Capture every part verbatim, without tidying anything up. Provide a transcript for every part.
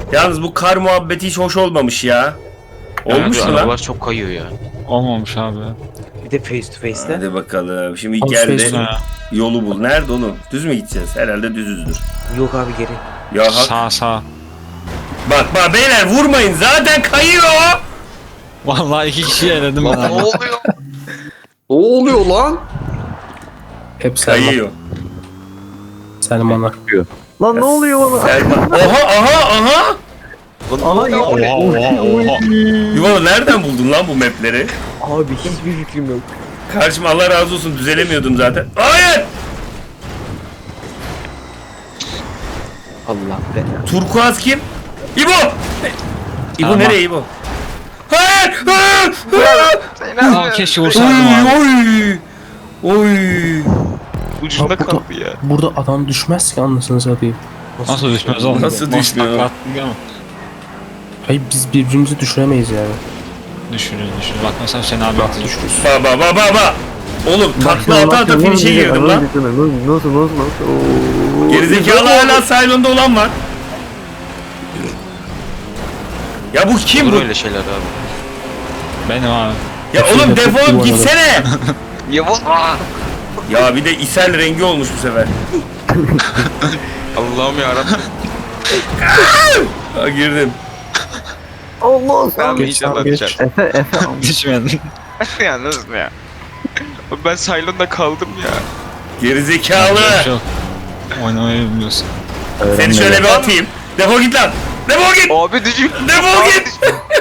Yalnız bu kar muhabbeti hiç hoş olmamış ya. Olmuş Abi, mu lan? arabalar çok kayıyor ya. Olmamış abi. Bir de face to face'te. Hadi bakalım. Şimdi Abi geldi. face to- Yolu bul. Nerede oğlum? Düz mü gideceğiz? Herhalde düzüzdür. Yok abi geri. Ya hak. Sağ sağ. Bak bak beyler vurmayın. Zaten kayıyor. Vallahi iki kişiyi eledim ben Lan ne abi. oluyor? Ne oluyor lan? Hep Selman. Kayıyor. Selman'a. Lan ne oluyor bana? Selman. Oha aha aha. Aha ya. Oha oha oha. Yuvalı nereden buldun lan bu mapleri? Abi hiçbir fikrim yok. Karşıma Allah razı olsun düzelemiyordum zaten. Hayır. Allah be. Turkuaz kim? İbo. İbo Tamam. nereye İbo? Hayır. Hayır. Hayır. Aa, keşke vursaydım abi. Oy. Oy. Oy. Ucunda Abi, bu da- kaldı ya. Burada adam düşmez ki anlasını satayım. Nasıl düşmez oğlum? Nasıl düşmüyor? takla attın ama. Hayır biz birbirimizi düşüremeyiz yani. Düşürüyor düşürüyor. Bak mesela Hüseyin abi attı. Düşürüz. Baba baba baba. Oğlum takla ata ata finish'e girdim lan. Nasıl nasıl nasıl? Gerizekalı hala Cylon'da olan var. Ya bu kim Olur bu? öyle şeyler abi. Benim abi. Ya oğlum defolup gitsene. Yavuz. Ya bir de isel rengi olmuş bu sefer. Allah'ım yarabbim. Ha, girdim. Allah Ben Geç iyice abi, anlatacağım. geç. Efe Efe. Düşmedin. Ya nasıl ya? Abi ben Cylon'da kaldım ya. Gerizekalı. Çok. Oynamayı bilmiyorsun. Seni şöyle bir atayım. Defol git lan. Defol git. Abi düşün. Defol git.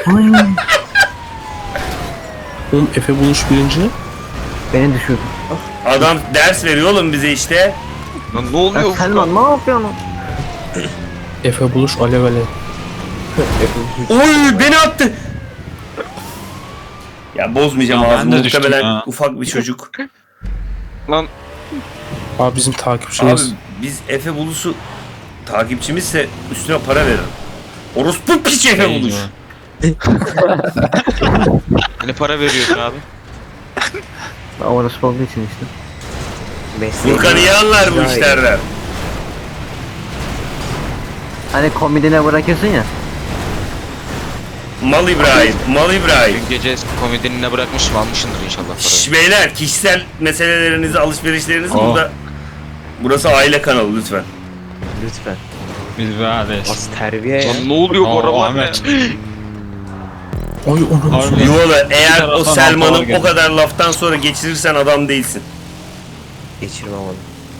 Oğlum Efe buluş birinci. Beni düşürdün. Adam ders veriyor oğlum bize işte. Lan ne oluyor? Selman ne yapıyorsun? Efe buluş alev alev. Oy beni attı. Ya bozmayacağım Ya ben ağzımı de düştüm muhtemelen ha. ufak bir çocuk. Lan Abi bizim Abi takipçimiz. biz Efe Bulus'u takipçimizse üstüne para verir. Orospu piç Efe Bulus. ne para veriyorsun abi? Orası olduğu için işte. Mesleğim. Furkan iyi anlar bu Daha iyi. işlerden. Hani komedine bırakıyorsun ya. Mal İbrahim, Mal İbrahim. Dün gece komedinine bırakmışım almışsındır inşallah parayı. Şş beyler kişisel meselelerinizi, alışverişlerinizi Aa. burada. Burası aile kanalı lütfen. Lütfen. Biz beraberiz. Az terbiye ya. Lan ne oluyor bu Aa, arabalar ya? Ahmet. Oy onu. Harbi. Yuvalı eğer o taraftan Selman'ı altılar o kadar laftan sonra geçirirsen adam değilsin. Geçirmem onu.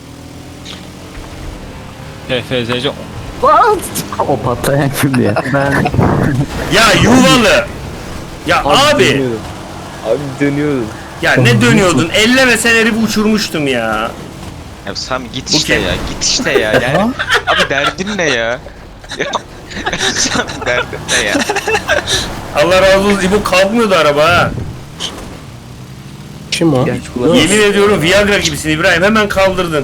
F F Z C. O patlayan kimdi ya? Ben Ya Yuvalı. Ya abi. dönüyordum. Abi dönüyordum. Ya ne dönüyordun? Ellemesen herifi uçurmuştum ya. Ya sen git Bu işte kim? ya git işte ya. Yani, abi derdin ne ya? Ya sen derdin ne ya? Allah razı olsun. İbo kalkmıyordu araba ha. Kim o? Genç kulak. Yemin ediyorum Viagra gibisin İbrahim. Hemen kaldırdın.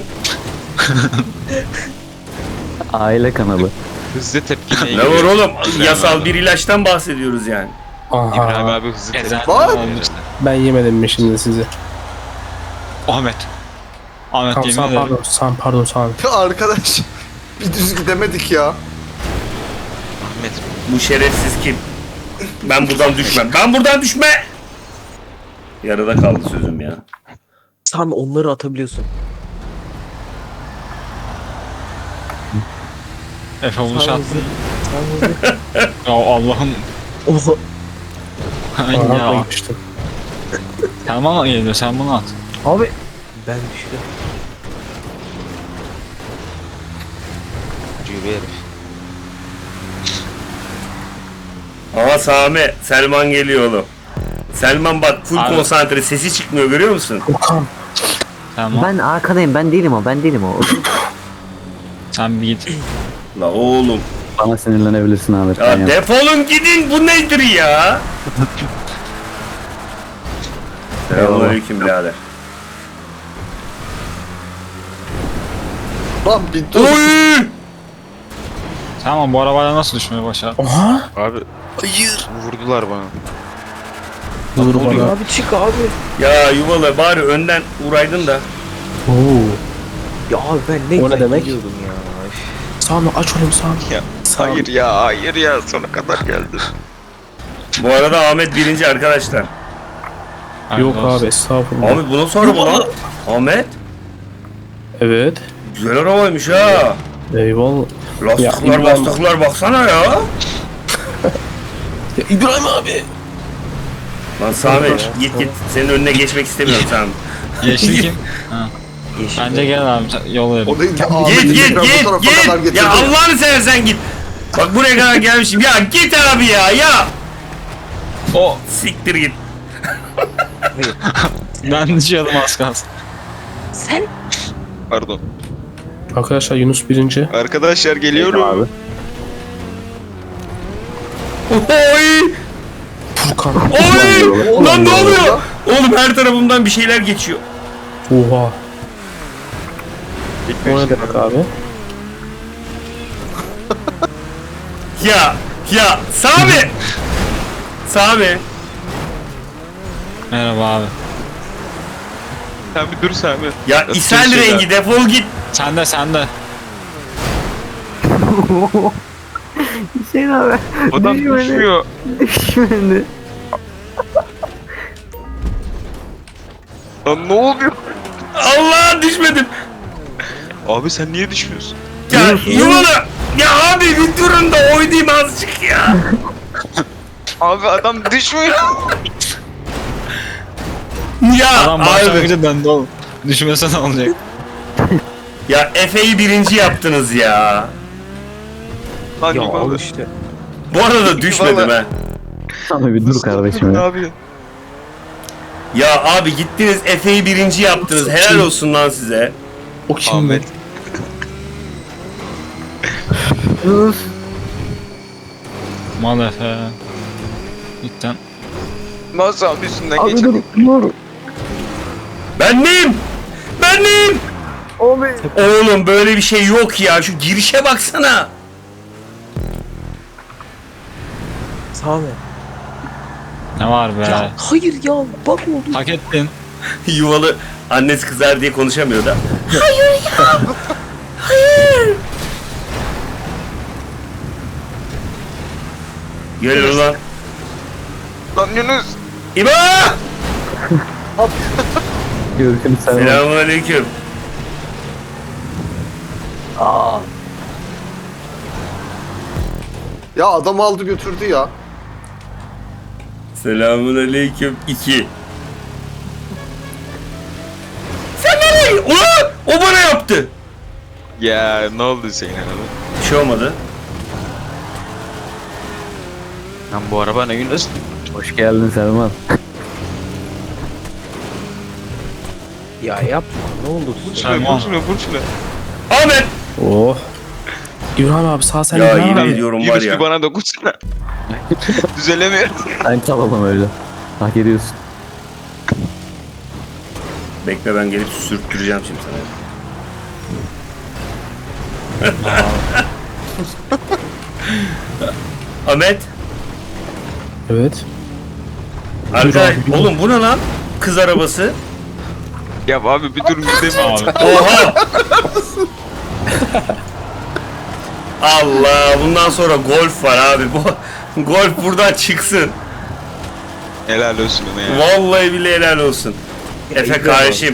Aile kanalı. Hızlı tepkiyle Ne var ilgili. oğlum? İbrahim Yasal abi. bir ilaçtan bahsediyoruz yani. İbrahim Aha. abi hızlı tepkiyle. Ezen Lan! olmuş. Ben yemedim mi şimdi sizi? Ahmet. Ahmet Tamam yemin sen ederim. pardon. Sen pardon sen. Ya arkadaş bir düz gidemedik ya. Ahmet. Bu şerefsiz kim? Ben buradan düşmem. Ben buradan düşme. Yarıda kaldı sözüm ya. Sami onları atabiliyorsun. Efe buluş Sami attı. hızlı. Sami hızlı. Ya Allah'ım. Oha. Ay Aha ya. koymuştum. Sen bana geliyor sen bunu at. Abi. Ben düştüm. Cübe herif. Ama Sami, Selman geliyor oğlum. Selman bak full Abi. konsantre, sesi çıkmıyor görüyor musun? Okan. Sen bana. Ben arkadayım. Ben değilim o. Ben değilim o. Sen bir git. La oğlum. Bana sinirlenebilirsin Ahmet. Ya ben yap- defolun gidin bu nedir ya? Selamünaleyküm birader. Lan bir dur. Oy! Tamam bu arabayla nasıl düşmeyi başardın? Oha. Abi. Hayır. Vurdular bana. Dur bana. Abi çık abi. Ya yuvalı bari önden uğraydın da. Oo. Ya abi ben ne O ne güzel demek? gidiyordum ya. Sami aç oğlum Sami. Ya. Sami. Hayır ya, hayır ya. Sona kadar geldim. Bu arada Ahmet birinci arkadaşlar. Yok Hayırlı olsun. abi estağfurullah. Ahmet bu nasıl araba lan? Ahmet Evet. güzel arabaymış ha. Eyvallah. Lastikler Ya, İbrahim- lastikler baksana ya. Ya İbrahim abi. Lan Sami git git. Senin önüne geçmek istemiyorum Sami. Yeşil kim? Ha. Yeşil. Bence gel abi sen- yol verin. O değil de Git Ahmet'i git tekrar bu git tarafa kadar git. getirdi. Ya Allah'ını seversen git. Bak buraya kadar gelmişim. Ya git abi ya ya. O Siktir git. ben düşüyordum az kalsın. Pardon. Arkadaşlar Yunus birinci. Arkadaşlar geliyorum. Abi. Oy! Furkan. Oy! Lan ne Oğlum, oluyor? Oğlum her tarafımdan bir şeyler geçiyor. Oha. O ne demek abi? Ya ya Sami. Sami. Merhaba abi. Sen bir dur Sami. Ya Nasıl ishal bir şey rengi defol git. Sen de sen de. Hüseyin abi. Adam düşmedi. düşmüyor. Düşmedi. Lan ne oluyor? Allah düşmedim. Abi sen niye düşmüyorsun? Ya yuvalı. Ya abi bir durun da oynayayım azıcık ya. Abi adam düşmüyor. Ya Adam abi. başlangıcı döndü oğlum. Düşmese ne olacak? Ya Efe'yi birinci yaptınız ya. Lan Ya yuvalı. al işte. Bu arada düşmedim Vallahi- ha. Abi bir dur kardeşim Ne ya. yapıyorsun? Ya abi gittiniz Efe'yi birinci yaptınız. Helal olsun lan size. O kim Ahmet. be? Yunus. Mal Efe. Cidden. Nasıl abi üstünden Abi dur. geçelim? Dur. Ben neyim? Ben neyim? Abi. Oğlum böyle bir şey yok ya. Şu girişe baksana. Sami. Ne var be? Ya hayır ya bak oldu. Hak ettin. Yuvalı annesi kızar diye konuşamıyor da. Hayır ya. Hayır. Gel ulan. Lan Yunus. İbo! Görüşürüz sen. Selamun aleyküm. Ya adam aldı götürdü ya. Selamun aleyküm iki. Sen nereye? Ulan! O bana yaptı. Ya ne oldu Hüseyin abi? Bir şey olmadı. Lan bu araba ne Yunus? Hoş geldin Selman. Ya yapma ne olur. Vur şuna, Selman. vur şuna, vur şuna. Ahmet! Oh. İbrahim abi sağ sen Ya İbrahim yemin abi. ediyorum var Yunus bir ya. bana dokunsana. Düzelemiyorum. Sen kalalım öyle. Hak ediyorsun. Bekle ben gelip sürttüreceğim şimdi sana. Ahmet! Evet. Arkadaş, abi, dur. oğlum bu ne lan? Kız arabası. Ya abi bir dur midem. Abi. Oha! Allah, bundan sonra golf var abi. Bu golf buradan çıksın. Helal olsun ona ya. Vallahi bile helal olsun. Efe kardeşim.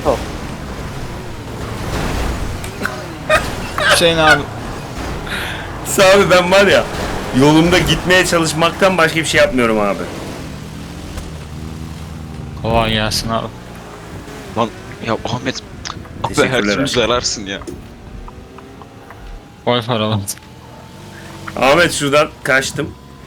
Hüseyin abi. Abi ben var ya yolumda gitmeye çalışmaktan başka bir şey yapmıyorum abi. Kolay gelsin abi. Lan ya Ahmet. Abi her Teşekkürler türlü abi. zararsın ya. Golf arabamız. Ahmet şuradan kaçtım.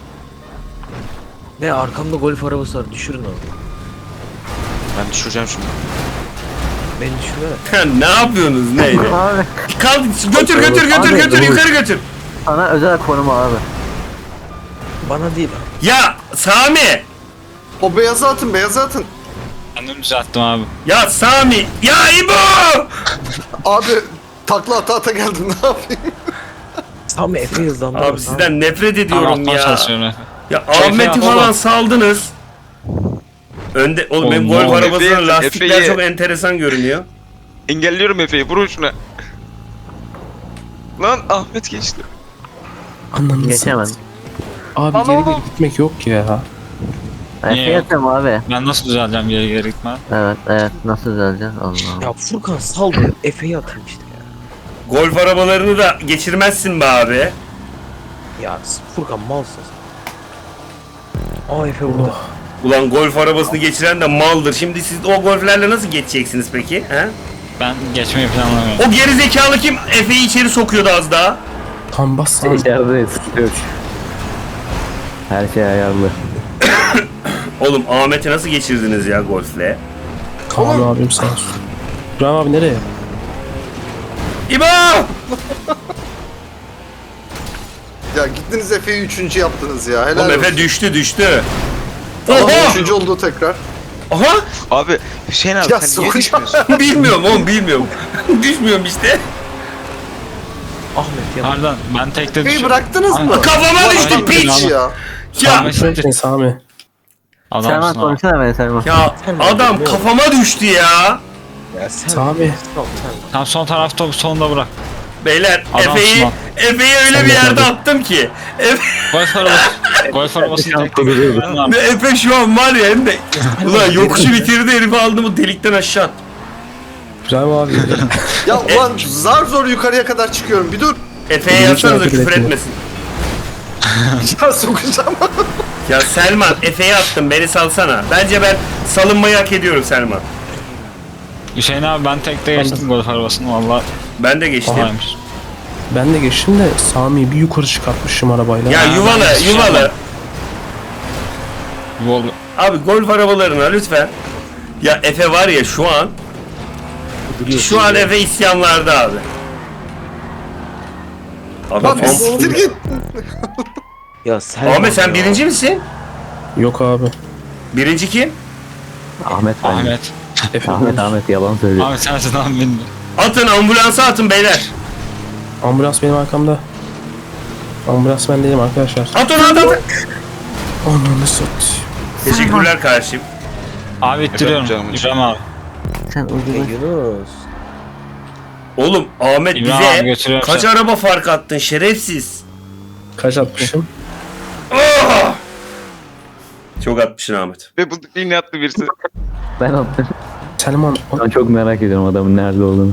Ne arkamda golf arabası var düşürün onu. Ben düşüreceğim şimdi. Beni düşürme. Ne yapıyorsunuz neydi? Abi Kalk götür götür götür Abi, götür dur. yukarı götür. sana özel konum abi. Bana değil abi. Ya Sami! O beyazı atın beyazı atın. Kendim düzelttim abi. Ya Sami! Ya İbo! Abi takla ata ata geldin ne yapayım? Sami Efe hızlandı. Abi sizden nefret ediyorum Anlatmaya ya. çalışıyorum Efe. Ya Efe Ahmet'i baba. falan saldınız. Önde oğlum benim Oğlum, golf ne arabasının Efe'yi- lastikler Efe'yi- çok enteresan görünüyor. Engelliyorum Efe'yi vurun şuna. Lan Ahmet geçti. Ananı Geçemem. satayım. Abi geri geri gitmek yok ya. Niye Efe yok? yatıyorum abi. Ben nasıl düzeleceğim geri geri gitme? Evet evet nasıl düzeleceğiz Allah. Ya Furkan sal da Efe'yi atayım işte ya. Golf arabalarını da geçirmezsin be abi. Ya Furkan malsın sen. Aa Efe burada. Ulan golf arabasını geçiren de maldır. Şimdi siz o golflerle nasıl geçeceksiniz peki? He? Ben geçmeyi planlamıyorum. O geri zekalı kim Efe'yi içeri sokuyordu az daha? Tam bas lan. İçeride sıkıntı yok. Her şey ayarlı. Oğlum Ahmet'i nasıl geçirdiniz ya golfle? Kaan abim sağ olsun. İbrahim abi nereye? İbo! Ya gittiniz Efe'yi üçüncü yaptınız ya. Helal Oğlum Efe olsun. düştü düştü. Tamam Oha! üçüncü oldu tekrar. Aha! Abi Hüseyin abi Ya sen niye sokacağım. düşmüyorsun? Bilmiyorum oğlum bilmiyorum. Düşmüyorum işte. Ahmet ya. Pardon ben tekte Efe'yi düşüyorum. bıraktınız mı? Kafama Vay düştü be, piç. piç ya. Ya Sami Bekle Sami. adamsın Selman abi. konuşsana beni Selman. ya adam kafama düştü ya. Ya sen. Sami. Sal sen. Tam son tarafta sonunda bırak. Beyler Adamsın Efe'yi lan. Efe'yi öyle Sen bir de yerde tabii. attım ki. Efe, Golf arabası. Golf arabası tekte görüyorum. Efe şu an var ya hem de. Ulan yokuşu bitirdi herifi aldı mı delikten aşağı attı. İbrahim abi. Ya ulan zar zor yukarıya kadar çıkıyorum. Bir dur. Efe'ye Birinci yazsanıza şarkı küfür bekliyor. etmesin. Ya sokacağım. Ya Selman Efe'ye attım beni salsana. Bence ben salınmayı hak ediyorum Selman. Hüseyin abi ben tekte geçtim golf arabasını valla Ben de geçtim. kolaymış. Ben de geçtim de Sami'yi bir yukarı çıkartmışım arabayla. Ya Ha, yuvalı ben de yuvalı. şey Yol Abi golf arabalarına lütfen. Ya Efe var ya şu an. Şu an Efe isyanlarda abi. Adam Lan siktir git. Ya sen. Ahmet sen birinci misin? Yok abi. Birinci kim? Ahmet bence. Ahmet. Efe. Ahmet Ahmet yalan söylüyor. Ahmet sensin abi bilmiyorum. Atın ambulansa atın beyler. Ambulans benim arkamda. Ambulans ben değilim arkadaşlar. Atın atın. atın. Ananı satayım. Teşekkürler kardeşim. Abi ittiriyorum. canım. İbrahim abi. Sen Ya ucunu. Yunus. Oğlum Ahmet İbrahim abi bize götürüyorum kaç seni. araba fark attın şerefsiz. Kaç atmışım? Ah! Çok atmışsın Ahmet. Ve bu yine attı birisi. Ben attım. Selman. Ben çok merak ediyorum adamın nerede olduğunu.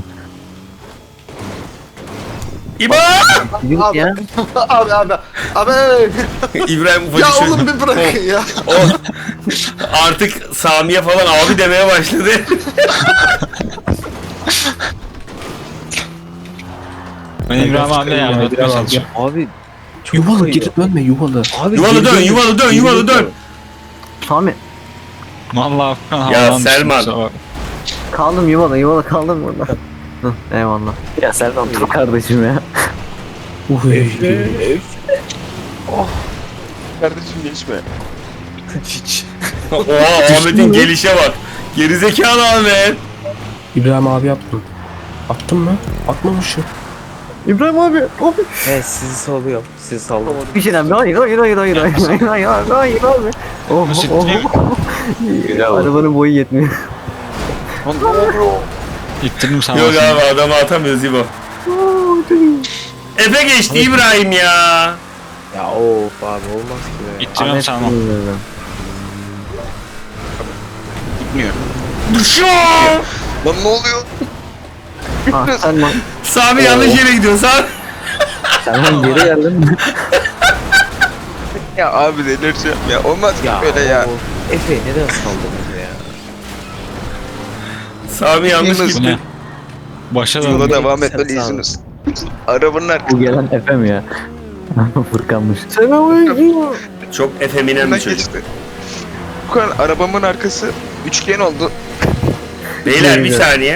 İbo! Yürü Abi. ya. Abi abi. Abi. İbrahim ufacık Ya çocuk. oğlum bir bırakın ya. O artık Sami'ye falan abi demeye başladı. Ben İbrahim abiyle yardım etmeye İbrahim abi. çalışıyorum. Abi. çok Yuvalı kayıyor. geri dönme yuvalı. Abi Yuvalı geri dön, dön, yuvalı dön, geri yuvalı dön. Sami Valla Furkan Ya havadan düştüm, Selman. kusura bakma. kaldım yuvala yuvala kaldım burada. Hı, eyvallah. Ya Selman dur kardeşim ya. Uy. Kardeşim geçme. Hiç. Oha Ahmet'in gelişe bak. Gerizekalı Ahmet. İbrahim abi yaptım. Attım mı? Atmamışım. İbrahim abi. Abi. He sizi salıyorum. Sizi sallıyorum. Bir şeyden hayır hayır hayır hayır hayır hayır hayır hayır hayır abi. Oh Nasıl oh oh. Arabanın boyu yetmiyor. İttirdim sana. Yok abi adamı atamıyoruz İbo. Efe geçti İbrahim ya. Ya of abi olmaz ki be. İttiriyorum sana. Gitmiyor. Şu Lan ne oluyor? Ah Selman. Sami yanlış yere gidiyor Sami. Selman geri geldin. Ya abi delireceğim ya. Olmaz ki Ya böyle ya. of. Efe neden saldınız ya? Sami yanlış Yunus. Bu gitti. ne? Başa Yola döndüm. devam Sen etmeli sağ ol. Yunus. Arabanın Bu arkasından gelen Efe mi ya? Furkanmış. Çok efeminen bir çocuk. geçti. Bu kadar arabamın arkası üçgen oldu. Beyler bir saniye.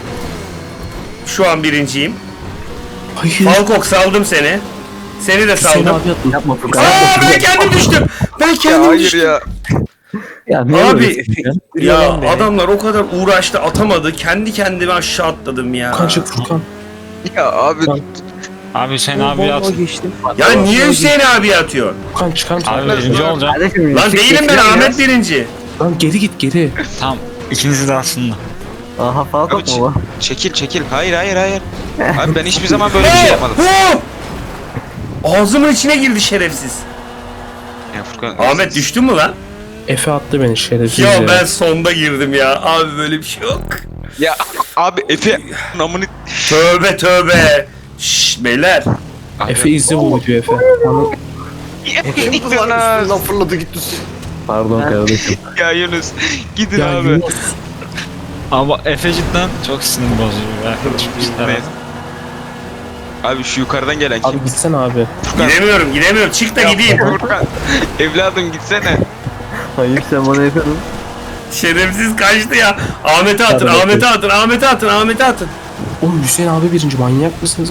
Şu an birinciyim. Hayır. Falkok saldım seni. Seni de Hüseyin saldım. abi attım. Yapma Furkan. Aa ben kendim düştüm. Ben Ya kendim hayır düştüm. ya. Ya ne Abi, uğraşıyorsun? Ya Lan beni. adamlar o kadar uğraştı atamadı. Kendi kendime aşağı atladım ya. Furkan çık Furkan. Ya abi Furkan, Abi Hüseyin abi Vallahi at. geçtim. Ya niye Hüseyin abi atıyor? Furkan çıkar mısın? Abi birinci olacağım. Kardeşim. Lan çık değilim git ben ya. Ahmet birinci. Lan geri git geri. Tamam. İkinizi de aslında. Aha Falcon Abi, mu bu? çekil çekil. Hayır hayır hayır. Abi ben hiçbir zaman böyle bir şey yapmadım. Oh! Ağzımın içine girdi şerefsiz. Ya Furkan. Ahmet düştün mü lan? Efe attı beni şerefsiz Ya ya. ben sonda girdim ya. Abi böyle bir şey yok. Ya abi Efe namını. Tövbe tövbe. Şşş beyler. Abi, Efe izle bu videoyu Efe. Onu- Kim bu lan üstünden fırladı gitti. Pardon kardeşim. Ya Yunus gidin Ya abi. Yunus. Ama Efe cidden çok sinir bozucu. Arkadaşım cidden. Neyse. Abi şu yukarıdan gelen kim? Abi gitsene abi. Gidemiyorum gidemiyorum. Çık da Ya gideyim. Furkan. Evladım gitsene. Hayır sen bana yapıyordun. Şerefsiz kaçtı ya. Ahmet'e atın, Hadi Ahmet'e atın, Ahmet'e atın, Ahmet'e atın. Oğlum Hüseyin abi birinci manyak mısınız?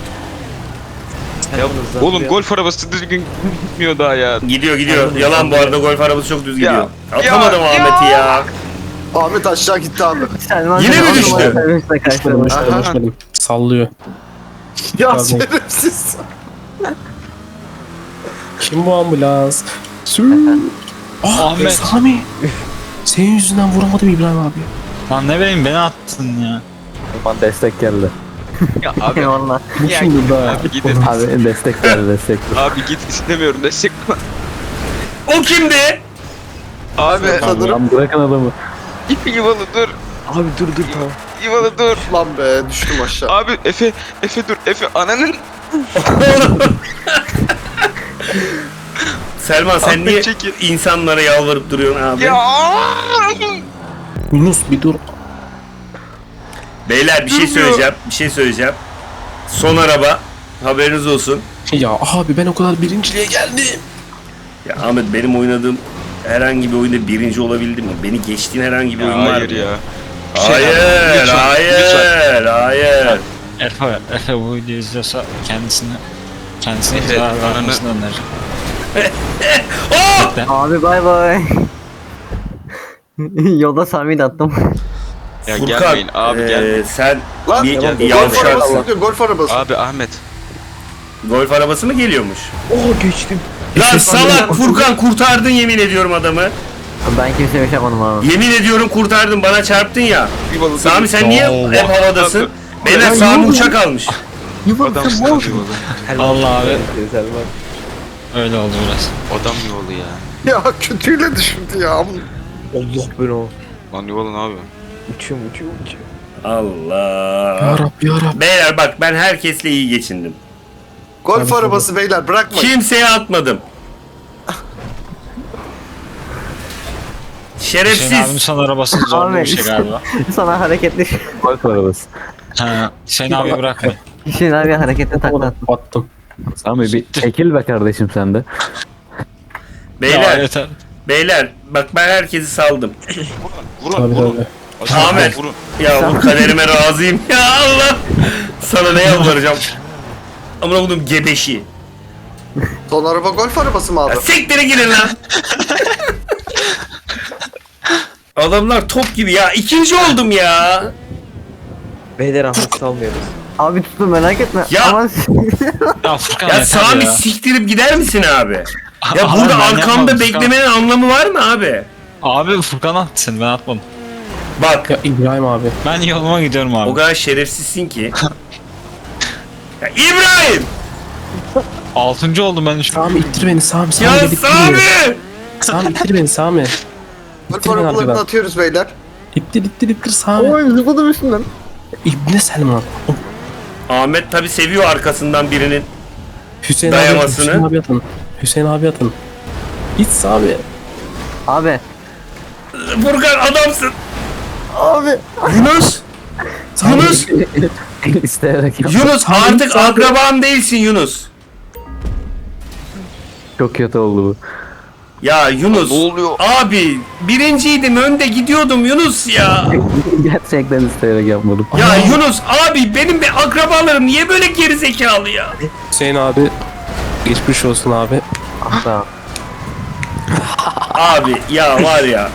Ya oğlum golf arabası düzgün gitmiyor daha ya. Gidiyor gidiyor. Yalan bu arada golf arabası çok düz gidiyor. Ya, Atamadım ya, Ahmet'i ya. Ahmet aşağı gitti abi. Yine mi düştü? Düşmedim düşmedim Aha. düşmedim. Sallıyor. Ya Pardon. şerefsiz. Kim bu ambulans? Sü. Ah Ahmet. Sami. Senin yüzünden vuramadım İbrahim abi. Lan ne bileyim beni attın ya. Bana destek geldi. Ya abi. Eyvallah. Bu Ya şimdi git daha. abi gidin. Abi destek geldi destek. Abi git istemiyorum destek. O kimdi? Abi. Lan bırakın adamı. Yuvalı dur. Abi dur dur tamam. Yuvalı dur. Lan be düştüm aşağı. Abi Efe. Efe dur. Efe ananın. Selman sen Ahmet niye çekil. insanlara yalvarıp duruyorsun abi? Ya. Yunus bir dur. Beyler bir şey Durmuyor. söyleyeceğim. Bir şey söyleyeceğim. Son araba. Haberiniz olsun. Ya abi ben o kadar birinciliğe geldim. Ya Ahmet benim oynadığım herhangi bir oyunda birinci olabildim mi? Beni geçtiğin herhangi bir Ya oyun var hayır mı? ya. Hayır, Lütfen, hayır, lütfen. hayır. Efe, Efe bu videoyu izliyorsa kendisini kendisine Efe, zarar ananı- vermesini öneririm. Oh! Abi bay bay. Yolda Sami'yi de attım. Ya Furkan, gelmeyin abi eee, gelmeyin. sen Lan bir golf yavşarsın. arabası gidiyor golf arabası. Abi Ahmet. Golf arabası mı geliyormuş? Oo geçtim. Lan salak Furkan kurtardın yemin ediyorum adamı. Ben kimseye bir şey yapmadım abi. Yemin ediyorum kurtardın bana çarptın ya. Yuvalı Sami sen niye Oo, hep havadasın? Abi. Beyler Ya, Sami yuvalı. uçak almış. Adamsın abi yuvalı. Allah abi. Selman. Öyle oldu biraz. Adam yuvalı ya. Ya kötüyle düşürdü ya. Allah ben o. Lan yuvalı ne yapıyor? Uçuyorum uçuyorum uçuyorum. Allah. Ya Rabbi ya Rabbi. Beyler bak ben herkesle iyi geçindim. Golf Tabii, arabası beyler bırakmayın. Kimseye atmadım. Hüseyin abinin Şerefsiz. son arabası zorlu bir şey galiba. Sana hareketli. Golf arabası. Ha, Hüseyin abi bırakmayın. Hüseyin abi hareketli takla attım. Battım. Sami bir çekil be kardeşim sen de. Ya Beyler, yeter. beyler bak ben herkesi saldım. Vurun Tabii vurun. tabii. Ahmet. Vurun. Ya bu kaderime razıyım. Ya Allah. Sana ne yalvaracağım? Amına koydum gebeşi. Son araba golf arabası mı abi? Ya siktire girin lan. Adamlar top gibi ya. İkinci oldum ya. Beyler Ahmet salmıyoruz. Abi tuttum merak etme. Ya. Aman Ya Furkan Ya yeter Sami ya. siktirip gider misin abi? Ya Abi burada ben arkamda yapmadım, Furkan. beklemenin anlamı var mı abi? Abi Furkan attı seni ben atmadım. Bak Ya İbrahim abi. Ben yoluma gidiyorum abi. o kadar şerefsizsin ki. Ya İbrahim! Altıncı oldum ben şu an. Sami ittir beni Sami. Sami Ya beni ittir Sami! beni. Sami ittir beni Sami. Golf İttir beni arabalarını arkadan. atıyoruz beyler. İttir ittir ittir Sami. Oy zıpladım üstünden. İbne Selman. O Ahmet tabi seviyor arkasından birinin. Hüseyin abi atın. Dayamasını. Hüseyin abi atın. Hüseyin abi atın. İt Sami. Abi. Furkan adamsın. Abi. Yunus! Yunus! İsteyerek yap. Yunus artık akraban değilsin Yunus. Çok kötü oldu bu. Ya Yunus. Ne oluyor? Abi birinciydim önde gidiyordum Yunus ya. Gerçekten isteyerek yapmadım. Ya Yunus abi benim bir akrabalarım niye böyle gerizekalı ya? Hüseyin abi. Geçmiş olsun abi. Ah be. Abi ya var ya.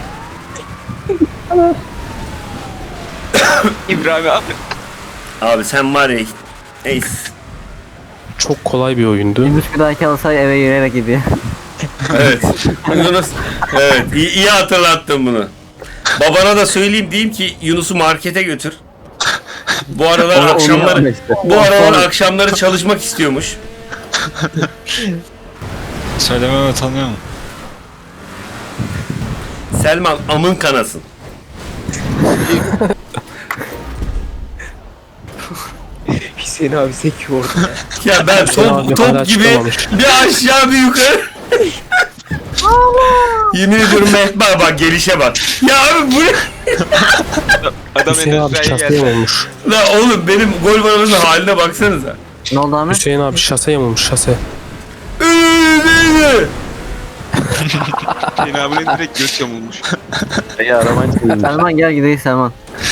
İbrahim abi. Abi sen var ya. Neyse. Çok kolay bir oyundu. Yunus bir dahaki alsa eve yürüyerek gidiyor. Evet. Yunus. Evet. iyi, iyi hatırlattın bunu. Babana da söyleyeyim diyeyim ki Yunus'u markete götür. Bu aralar Onu- onu akşamları yapma işte. bu aralar akşamları çalışmak istiyormuş. Söylememe utanıyor mu? Selman amın kanasın. Hüseyin abi sekiyor orada. Ya ben Hüseyin abi top, hala top gibi çıkamamış. bir aşağı bir yukarı. Yemin ediyorum Mehmet bak, bak gelişe bak. Ya abi bu ne? Adam Hüseyin abi Endüstri'ye şaseye geldi. olmuş. La oğlum benim gol arabasının haline baksanıza. Ne oldu Ahmet? Hüseyin abi şaseye olmuş şase. Hüseyin abinin direkt göz yamulmuş. İyi aramayı çıkıyor. Selman gel gidelim Selman.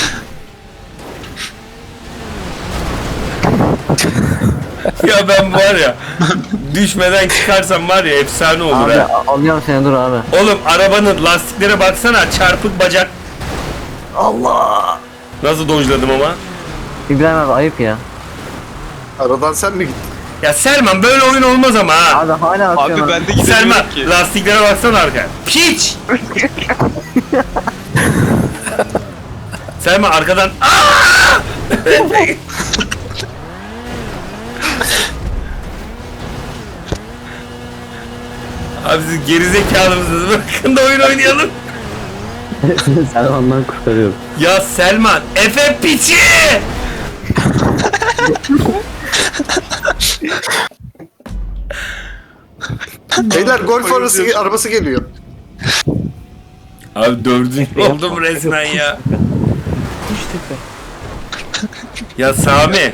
Ya ben var ya düşmeden çıkarsam var ya efsane olur Abi ha. a- alıyorum seni dur abi. Oğlum arabanın lastiklere baksana, çarpık bacak. Allah. Nasıl dojladım ama? İbrahim abi ayıp ya. Aradan sen mi gittin? Ya Selman böyle oyun olmaz ama ha. Abi hala atıyorum. Abi ben de Selman gidemiyorum ki. lastiklere baksana arkaya. Piç! Selman arkadan Aa! Abi siz gerizekalı mısınız? Bırakın da oyun oynayalım. Sen ondan kurtarıyorum. Ya Selman, Efe piçi! Beyler golf arası, arabası geliyor. Abi dördüncü oldum resmen ya. Ya Sami,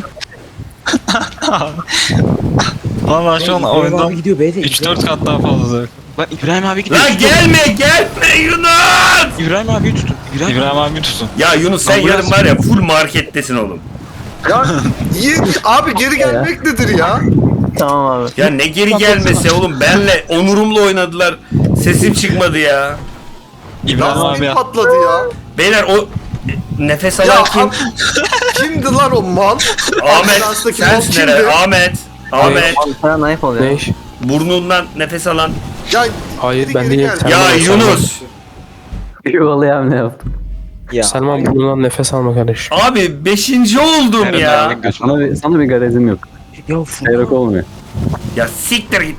Valla şu an İbrahim abi oyundan gidiyor be de. üç dört kat daha fazla. Lan İbrahim abi gidiyor. lan gelme gelme Yunus! İbrahim abi tutun. İbrahim, İbrahim abi tutun. Ya Yunus sen Ambulans yarın var ya full markettesin oğlum. Ya iyi, abi geri gelmek nedir ya? Tamam abi. Ya ne geri gelmesi oğlum, benle onurumla oynadılar. Sesim çıkmadı ya. İbrahim abi Lastik ya. patladı ya. Beyler o nefes Ya alan kim? am- kimdi lan o mal? Ahmet. Ambulanstaki mal Sensin kimdi? herhalde. Ahmet. Ahmet. Abi sana ayıp oluyor. Ne? Burnundan nefes alan. Ya Hayır geri ben geri değilim. gel. Selman Ya o, Selman. Yunus. Yuvalayam ne yaptım? Ya. Selman burnundan nefes alma kardeşim. Abi beşinci oldum Eren ya. abinin gözü. Sana bir, sana bir garezim yok. Ya Furkan. Seyrek olmuyor. Ya siktir git.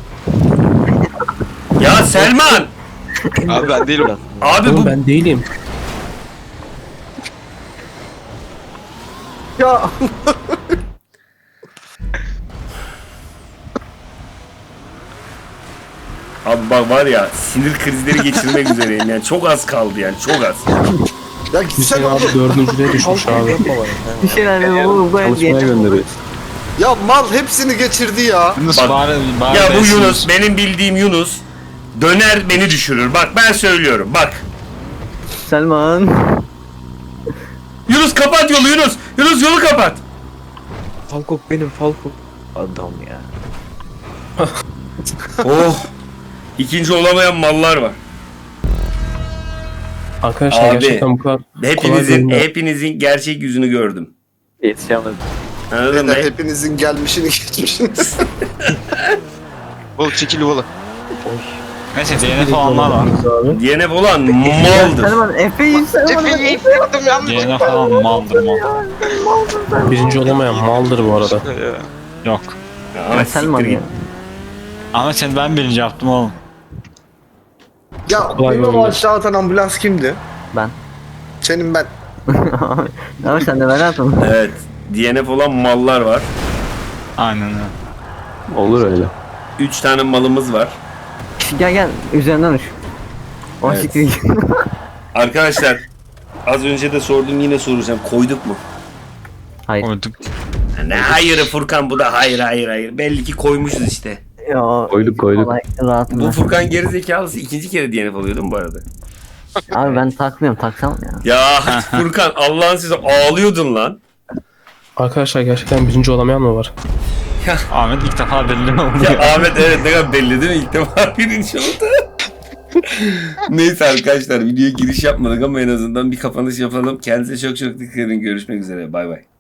Ya Selman. Abi ben değilim. Abi Oğlum bu ben değilim. Ya Abi bak var ya sinir krizleri geçirmek üzereyim yani, çok az kaldı yani, çok az. ya gitsen Hüseyin oğlum. abi dördüncüye düşmüş abi. Bir şeyler bu bu Çalışmaya diye. gönderiyor. Ya mal hepsini geçirdi ya. Yunus Bak- bari, bari Ya bu besin Yunus, olsun. benim bildiğim Yunus döner beni düşürür. Bak ben söylüyorum bak. Selman. Yunus kapat yolu Yunus. Yunus yolu kapat. Falkok benim Falkok. Adam ya. Oh. İkinci olamayan mallar var. Arkadaşlar Abi, gerçekten bu kadar kolay Hepinizin değil mi? hepinizin gerçek yüzünü gördüm. Yetişemedim. Anladın mı? Beyler hepinizin gelmişini geçmişiniz. Oğlum çekil oğlum. Neyse D N F olanlar var. abi. D N F olan maldır. Selman Efe'yi Selman. Efe'yi yaptım yanlış. D N F falan maldır mal. Birinci olamayan maldır bu arada. Yok. Ama Selman siktir ya. git. Ama seni ben birinci yaptım oğlum. Ya Kolay beni o oldu. aşağı atan ambulans kimdi? Ben. Senin ben. Abi sen de ben atın. Evet. D N F olan mallar var. Aynen öyle. Olur öyle. Üç tane malımız var. Gel gel üzerinden uç. O Evet. siktir git. Arkadaşlar az önce de sordum, yine soracağım. Koyduk mu? Hayır. Koyduk. Ne hayırı Furkan, bu da hayır hayır hayır. Belli ki koymuşuz işte. Ya. Koyduk koyduk. Vallahi rahatım Bu ben. Furkan gerizekalısı ikinci kere D N F alıyor değil mi bu arada? Abi ben takmıyorum taksam ya. Ya Furkan Allah'ın size ağlıyordun lan. Arkadaşlar gerçekten birinci olamayan mı var? Ahmet ilk defa belli oldu. Ya Ahmet evet ne kadar belli değil mi? İlk defa birinci oldu. Neyse arkadaşlar videoya giriş yapmadık ama en azından bir kapanış yapalım. Kendinize çok çok dikkat edin. Görüşmek üzere. Bay bay.